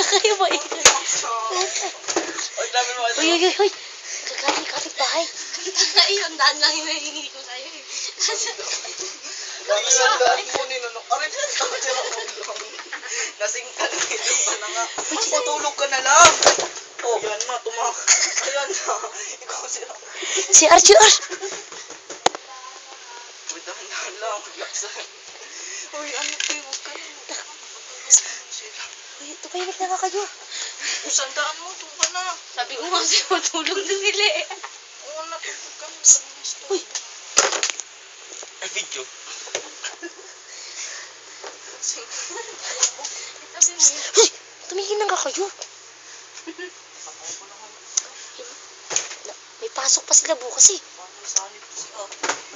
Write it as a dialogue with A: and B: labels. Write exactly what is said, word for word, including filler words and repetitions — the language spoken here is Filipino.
A: Kayo ba?
B: Uy, grabe mo ito.
A: Uy, uy, uy, uy. Kagaling kapit bahay.
C: Ayun, daan lang yung nahingi ko sa'yo eh.
B: Grabe sa daan mo ni Nonok. Aray, tira mo lang. Lasing ka na ito ka na nga. Matulog ka na lang. Oh, yan na, tumak. Ayan na. Ikaw sila.
A: Si R J R.
B: Uy, dahan-dahan lang. Laksan. Uy, ano kayo? Huwag ka na.
A: Uy, tumahimik na nga kayo.
B: Sandaan mo, tulog ka na.
C: Sabi ko nga sa'yo, matulog na sila eh.
B: Oo na, tulog ka na.
A: Uy.
B: Ay, video.
C: Sabi mo yun.
A: Uy, tumingin na nga kayo. May pasok pa sila bukas eh.
B: Paano sanib ko siya?